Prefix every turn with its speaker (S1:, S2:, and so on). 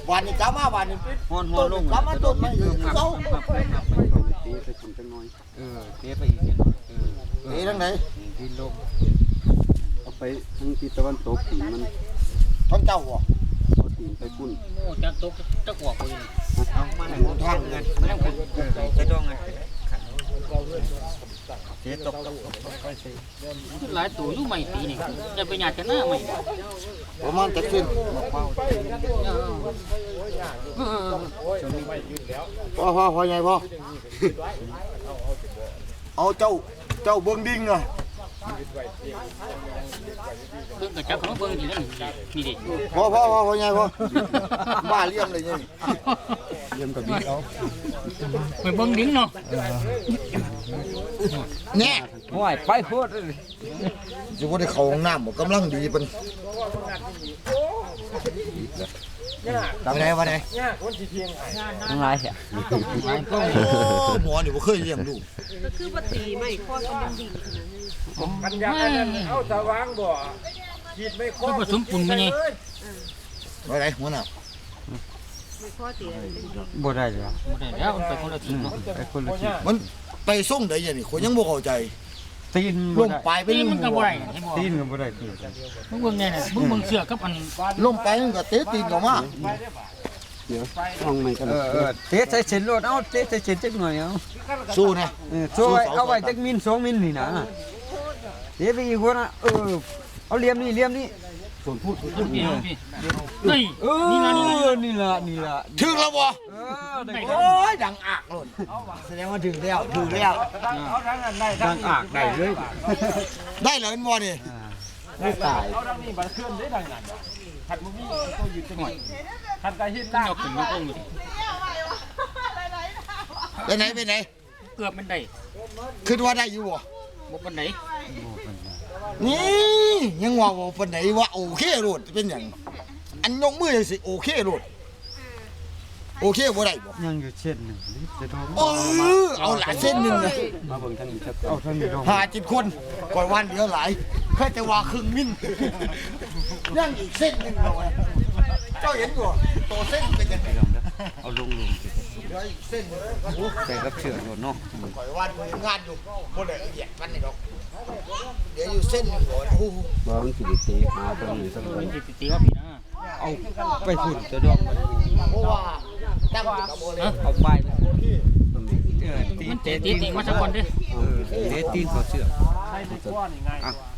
S1: วันนี้จ้ามาวันนี้
S2: ฮอนลง
S1: จ้ามาต้นไม้เจ้า
S3: เตะไปคนจังน้อย
S2: เตะไปอีกนิด
S1: เอ๊ะทางไหน
S2: ดินลง
S3: เอาไปทางทิศตะวันตกตีนมัน
S1: ท้องเจ้าบ่
S3: เอาตีนไปปุ้น
S2: โอ้จักตกจักออกไปเอามาให้ผมทางเงินไม่ต้องจะต้องเงินเสียตกหลายตัวอยู่ใหม่ปีนี่จะไปหยาดกันหน้าใหม่
S1: ประมาณจะขึ้นพอไงพ่อเอาเจ้าเบิ้งดิ้งอ่ะ
S2: เบิ่งกระจับของเบิ่งนี่นี่ดิ
S1: พอไงพ่อบ้าเลี้ยงเลยนี่
S3: เยี่ยมกับบิ๊กเอา
S2: ไปเบิ่งดิ้งเนาะ
S1: เนี่ย
S2: โอ้ยไปโคตร
S1: จะว่าได้เข้าห้องน้ำกำลังดีเป็นวันไหน
S2: ทั้งหลายเสีย
S1: หมอนี่บ่เคยเลี้ยงลูก
S4: ก็คือปฏิไม่ข้อกันดิ่งขนาดนั้น
S5: กันยากันเอาสว่างบ่ขีดไม่ครบ
S2: ผสมปุ่นมาไง
S1: วันไหนหัวหน้า
S4: ไม่ข้อเตีย
S2: บ่ได้เลยบ่ได้แล้วมันไปคนละทีเนาะไปคนละที
S1: มันไปส่งได้ยังนี่คนยังบ่เข้าใจ
S2: ตีน
S1: ลงไปเป็น
S2: มันก็บ่ได้ตีนก็บ่ได้มึงเบิ่งแน่น่ะมึงเบิ่งเสื้อกับอัน
S1: ลงไปมันก็เตะตีนเข้ามา
S3: เดี๋ยวห้องใหม่กัน
S6: เตะใส่เส้นรถเอาเตะใส่เส้นจักหน่อยเอา
S1: สู้นะ
S6: ช่วยเอาไว้จักมิล2มิลนี่นะเตะไปอีกคนนะเอาเหลี่ยมนี่
S3: ส่วนพูด
S2: พี่เฮ้ยนี่ล่ะ
S6: นี่ล่ะ
S1: ถึงแล้วบ่
S6: ได้
S1: โอ้ยดังอากเลยแสดงว่าถึงแล้ว
S5: เอาทั้งนั้นได้
S6: ดังอากได้เลย
S1: ได้แล้วบ่นี่ไม่ตาย
S5: เอาทั้งนี้บัดเคลื่อนได้ดังนั้นขัดมึงมีตัวยืนจังหน่อยขัดกระหินล่าง
S2: ยกขึ้นยกลงอยู่
S1: ไปไหน
S2: เกือบมันได้
S1: คิดว่าได้อยู่บ่
S2: บ่ปานใด
S1: นี่ยังว่าบ่ปานไหนว่าโอเคโลดเป็นหยังอันยกมือจังสิโอเคโลดโอเคบ่ได้บ่
S6: ยังอยู่เส้นหนึ่งจะโดน
S1: เอาหลายเส้นหนึงนะ
S3: มาเบิ่งทางนี้ครับ
S6: เอาทางนี้ลง
S1: 7คนก่อยวันเดียวหลายแค่แต่ว่าครึ่งมิ้นยังอีกเส้นหนึงเนาะเจ้าเห็นบ่โตเส้นเป็นจังได
S6: เอาลง
S1: เดี๋ยวอีกเส้นหนึ่ง
S6: ใส่กับเชือกรถเนาะ
S1: ก่อยวันงานอยู่บ่ได้ละเอียดมันนี่ดอกเดี๋ยวอยู่เส้นหนึงบ่โอ้โห
S3: บ่มันสิได้เตะหาตรงนี้สักหน่อย
S2: มันสิตีว่าพี่นะ
S6: เอาไปฝุ่นจะดอกมัน
S1: เพราะว่าตั้งกับโบเลย
S6: เอาไป
S3: ตรงนี้
S2: มันตีมาสักคนดิ
S6: เตะตีนเขาเชือก
S5: ใช้ที่ข้อนี่ไง
S6: อ่ะ